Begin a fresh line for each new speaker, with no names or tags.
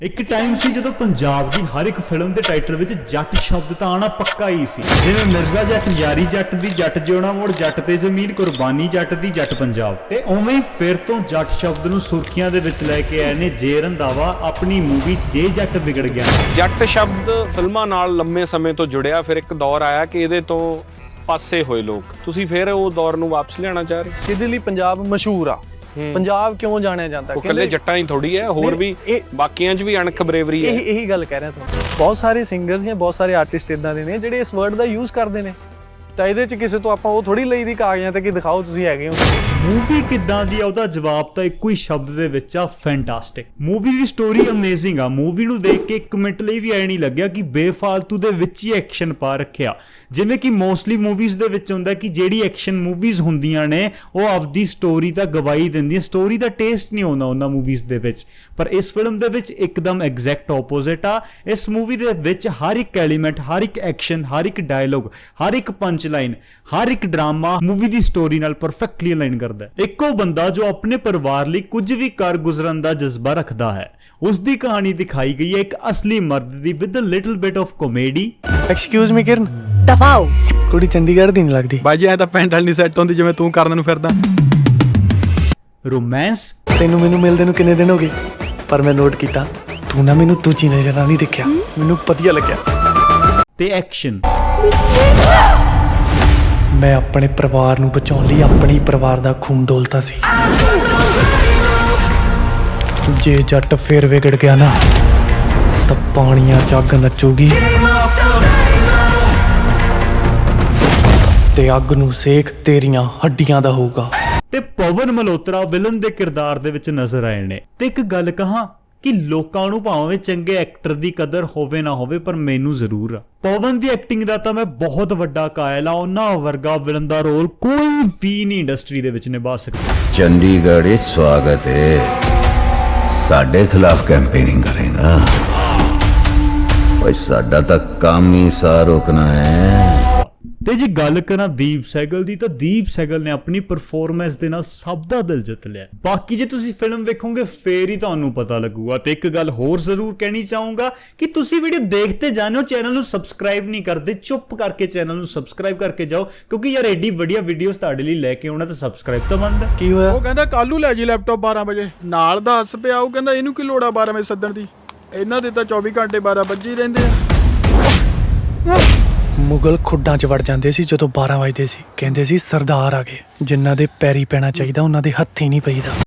ਇੱਕ ਟਾਈਮ ਸੀ ਜਦੋਂ ਪੰਜਾਬ ਦੀ ਹਰ ਇੱਕ ਫਿਲਮ ਦੇ ਟਾਈਟਲ ਵਿੱਚ ਜੱਟ ਸ਼ਬਦ ਤਾਂ ਆਣਾ ਪੱਕਾ ਹੀ ਸੀ। ਜਿਵੇਂ ਮਿਰਜ਼ਾ ਜੱਟ, ਯਾਰੀ ਜੱਟ ਦੀ, ਜੱਟ ਜਿਉਣਾ ਮੋੜ, ਜੱਟ ਤੇ ਜ਼ਮੀਨ, ਕੁਰਬਾਨੀ ਜੱਟ ਦੀ, ਜੱਟ ਪੰਜਾਬ। ਤੇ ਉਵੇਂ ਹੀ ਫਿਰ ਤੋਂ ਜੱਟ ਸ਼ਬਦ ਨੂੰ ਸੁਰਖੀਆਂ ਦੇ ਵਿੱਚ ਲੈ ਕੇ ਆਏ ਨੇ ਜੇ ਰੰਧਾਵਾ ਆਪਣੀ ਮੂਵੀ ਜੇ ਜੱਟ ਵਿਗੜ ਗਿਆ।
ਜੱਟ ਸ਼ਬਦ ਫਿਲਮਾਂ ਨਾਲ ਲੰਮੇ ਸਮੇਂ ਤੋਂ ਜੁੜਿਆ, ਫਿਰ ਇੱਕ ਦੌਰ ਆਇਆ ਕਿ ਇਹਦੇ ਤੋਂ ਪਾਸੇ ਹੋਏ ਲੋਕ। ਤੁਸੀਂ ਫਿਰ ਉਹ ਦੌਰ ਨੂੰ ਵਾਪਸ ਲਿਆਉਣਾ ਚਾਹ ਰਹੇ?
ਜਿਹਦੇ ਲਈ ਪੰਜਾਬ ਮਸ਼ਹੂਰ ਆ। ਪੰਜਾਬ ਕਿਉਂ ਜਾਣਿਆ ਜਾਂਦਾ?
ਉਹ ਇਕੱਲੇ ਜੱਟਾਂ ਹੀ ਥੋੜੀ ਹੈ, ਹੋਰ ਵੀ ਬਾਕੀਆਂ 'ਚ ਵੀ ਅਣਖ ਬਰੇਵਰੀ ਹੈ।
ਇਹੀ ਗੱਲ ਕਹਿ ਰਿਹਾ ਤੁਹਾਨੂੰ। ਬਹੁਤ ਸਾਰੇ ਸਿੰਗਰਸ ਜਾਂ ਬਹੁਤ ਸਾਰੇ ਆਰਟਿਸਟ ਇਦਾਂ ਦੇ ਨੇ ਜਿਹੜੇ ਇਸ ਵਰਡ ਦਾ ਯੂਜ਼ ਕਰਦੇ ਨੇ, ਤਾਂ ਇਹਦੇ 'ਚ ਕਿਸੇ ਤੋਂ ਆਪਾਂ ਉਹ ਥੋੜੀ ਲਈ ਦੀ ਕਾਗਜ਼ਾਂ ਤੇ ਕਿ ਦਿਖਾਓ ਤੁਸੀਂ ਹੈਗੇ ਹੋ।
ਮੂਵੀ ਕਿੱਦਾਂ ਦੀ ਆ ਉਹਦਾ ਜਵਾਬ ਤਾਂ ਇੱਕੋ ਹੀ ਸ਼ਬਦ ਦੇ ਵਿੱਚ ਆ, ਫੈਂਟਾਸਟਿਕ। ਮੂਵੀ ਦੀ ਸਟੋਰੀ ਅਮੇਜ਼ਿੰਗ ਆ। ਮੂਵੀ ਨੂੰ ਦੇਖ ਕੇ ਇੱਕ ਮਿੰਟ ਲਈ ਵੀ ਐ ਨਹੀਂ ਲੱਗਿਆ ਕਿ ਬੇਫਾਲਤੂ ਦੇ ਵਿੱਚ ਹੀ ਐਕਸ਼ਨ ਪਾ ਰੱਖਿਆ, ਜਿਵੇਂ ਕਿ ਮੋਸਟਲੀ ਮੂਵੀਜ਼ ਦੇ ਵਿੱਚ ਹੁੰਦਾ ਕਿ ਜਿਹੜੀ ਐਕਸ਼ਨ ਮੂਵੀਜ਼ ਹੁੰਦੀਆਂ ਨੇ ਉਹ ਆਪਦੀ ਸਟੋਰੀ ਤਾਂ ਗਵਾਈ ਦਿੰਦੀਆਂ, ਸਟੋਰੀ ਦਾ ਟੇਸਟ ਨਹੀਂ ਆਉਂਦਾ ਉਹਨਾਂ ਮੂਵੀਜ਼ ਦੇ ਵਿੱਚ। ਪਰ ਇਸ ਫਿਲਮ ਦੇ ਵਿੱਚ ਇੱਕਦਮ ਐਗਜ਼ੈਕਟ ਆਪੋਜ਼ਿਟ ਆ। ਇਸ ਮੂਵੀ ਦੇ ਵਿੱਚ ਹਰ ਇੱਕ ਐਲੀਮੈਂਟ, ਹਰ ਇੱਕ ਐਕਸ਼ਨ, ਹਰ ਇੱਕ ਡਾਇਲੋਗ, ਹਰ ਇੱਕ ਪੰਚ ਲਾਈਨ, ਹਰ ਇੱਕ ਡਰਾਮਾ ਮੂਵੀ ਦੀ ਸਟੋਰੀ ਨਾਲ ਪਰਫੈਕਟਲੀ ਅਲਾਈਨ ਕਰਦਾ ਹੈ। ਇੱਕੋ ਬੰਦਾ ਜੋ ਆਪਣੇ ਪਰਿਵਾਰ ਲਈ ਕੁਝ ਵੀ ਕਰ ਗੁਜ਼ਰਨ ਦਾ ਜਜ਼ਬਾ ਰੱਖਦਾ ਹੈ, ਉਸ ਦੀ ਕਹਾਣੀ ਦਿਖਾਈ ਗਈ ਹੈ ਇੱਕ ਅਸਲੀ ਮਰਦ ਦੀ with a little bit of comedy.
Excuse me Kiran,
ਦਫਾਓ।
ਕੁੜੀ ਚੰਡੀਗੜ੍ਹ ਦੀ ਨਹੀਂ ਲੱਗਦੀ।
ਬਾਈ ਜੀ ਐ ਤਾਂ ਪੈਂਟ ਵਾਲੀ ਨਹੀਂ ਸੈੱਟ ਹੁੰਦੀ ਜਿਵੇਂ ਤੂੰ ਕਰਨ ਨੂੰ ਫਿਰਦਾ।
ਰੋਮਾਂਸ।
ਤੈਨੂੰ ਮੈਨੂੰ ਮਿਲਦੇ ਨੂੰ ਕਿੰਨੇ ਦਿਨ ਹੋ ਗਏ, ਪਰ ਮੈਂ ਨੋਟ ਕੀਤਾ ਤੂੰ ਨਾ ਮੈਨੂੰ ਦੂਜੀ ਨਜ਼ਰ ਨਾਲ ਨਹੀਂ ਦੇਖਿਆ, ਮੈਨੂੰ ਵਧੀਆ ਲੱਗਿਆ।
ਤੇ ਐਕਸ਼ਨ।
ਮੈਂ ਆਪਣੇ ਪਰਿਵਾਰ ਨੂੰ ਬਚਾਉਣ ਲਈ ਆਪਣੀ ਪਰਿਵਾਰ ਦਾ ਖੂਨ ਡੋਲਤਾ ਸੀ। ਜੇ ਜੱਟ ਫੇਰ ਵਿਗੜ ਗਿਆ ਨਾ ਤਾਂ ਪਾਣੀਆਂ ਚ ਅੱਗ ਨੱਚੂਗੀ ਤੇ ਅੱਗ ਨੂੰ ਸੇਕ ਤੇਰੀਆਂ ਹੱਡੀਆਂ ਦਾ ਹੋਊਗਾ।
ਤੇ ਪਵਨ ਮਲਹੋਤਰਾ ਵਿਲਨ ਦੇ ਕਿਰਦਾਰ ਦੇ ਵਿੱਚ ਨਜ਼ਰ ਆਏ ਨੇ। ਤੇ ਇੱਕ ਗੱਲ ਕਹਾਂ ਕਿ ਲੋਕਾਂ ਨੂੰ ਭਾਵੇਂ ਚੰਗੇ ਐਕਟਰ ਦੀ ਕਦਰ ਹੋਵੇ ਨਾ ਹੋਵੇ, ਪਰ ਮੈਨੂੰ ਜ਼ਰੂਰ ਆ। ਪਵਨ ਦੀ ਐਕਟਿੰਗ ਦਾ ਤਾਂ ਮੈਂ ਬਹੁਤ ਵੱਡਾ ਕਾਇਲ ਆ। ਉਹਨਾਂ ਵਰਗਾ ਵਿਲਨ ਦਾ ਰੋਲ ਕੋਈ ਵੀ ਨਹੀਂ ਇੰਡਸਟਰੀ ਦੇ ਵਿੱਚ ਨਿਭਾ ਸਕਦਾ।
ਚੰਡੀਗੜ੍ਹ ਸਵਾਗਤ ਹੈ। ਸਾਡੇ ਖਿਲਾਫ ਕੈਂਪੇਨਿੰਗ ਕਰੇਗਾ? ਓਏ ਸਾਡਾ ਤਾਂ ਕੰਮ ਹੀ ਸਾਰ ਰੋਕਣਾ ਹੈ।
ਤੇ ਜੇ ਗੱਲ ਕਰਾਂ ਦੀਪ ਸਹਿਗਲ ਦੀ, ਤਾਂ ਦੀਪ ਸਹਿਗਲ ਨੇ ਆਪਣੀ ਪਰਫਾਰਮੈਂਸ ਦੇ ਨਾਲ ਸਭ ਦਾ ਦਿਲ ਜਿੱਤ ਲਿਆ। ਬਾਕੀ ਜੇ ਤੁਸੀਂ ਫਿਲਮ ਵੇਖੋਗੇ ਫੇਰ ਹੀ ਤੁਹਾਨੂੰ ਪਤਾ ਲੱਗੂਗਾ। ਤੇ ਇੱਕ ਗੱਲ ਹੋਰ ਜ਼ਰੂਰ ਕਹਿਣੀ ਚਾਹੂੰਗਾ ਕਿ ਤੁਸੀਂ ਵੀਡੀਓ ਦੇਖਦੇ ਜਾਂਦੇ ਹੋ, ਚੈਨਲ ਨੂੰ ਸਬਸਕ੍ਰਾਈਬ ਨਹੀਂ ਕਰਦੇ, ਚੁੱਪ ਕਰਕੇ ਚੈਨਲ ਨੂੰ ਸਬਸਕ੍ਰਾਈਬ ਕਰਕੇ ਜਾਓ, ਕਿਉਂਕਿ ਯਾਰ ਐਡੀ ਵਧੀਆ ਵੀਡੀਓਜ਼ ਤੁਹਾਡੇ ਲਈ ਲੈ ਕੇ ਆਉਣਾ ਤਾਂ ਸਬਸਕ੍ਰਾਈਬ ਤਾਂ ਬਣਦਾ।
ਕੀ ਹੋਇਆ?
ਉਹ ਕਹਿੰਦਾ ਕੱਲ ਨੂੰ ਲੈ ਜੀ ਲੈਪਟਾਪ 12 ਵਜੇ। ਨਾਲ ਦਾ ਹੱਸ ਪਿਆ। ਉਹ ਕਹਿੰਦਾ ਇਹਨੂੰ ਕੀ ਲੋੜ ਆ 12 ਵਜੇ ਸੱਦਣ ਦੀ, ਇਹਨਾਂ ਦੇ ਤਾਂ 24 ਘੰਟੇ 12 ਵੱਜੇ ਹੀ ਰਹਿੰਦੇ ਆ।
ਮੁਗਲ ਖੁੱਡਾਂ 'ਚ ਵੜ ਜਾਂਦੇ ਸੀ ਜਦੋਂ 12 ਵਜਦੇ ਸੀ, ਕਹਿੰਦੇ ਸੀ ਸਰਦਾਰ ਆ ਗਏ। ਜਿਨ੍ਹਾਂ ਦੇ ਪੈਰੀ ਪੈਣਾ ਚਾਹੀਦਾ ਉਹਨਾਂ ਦੇ ਹੱਥੀ ਨਹੀਂ ਪਈਦਾ।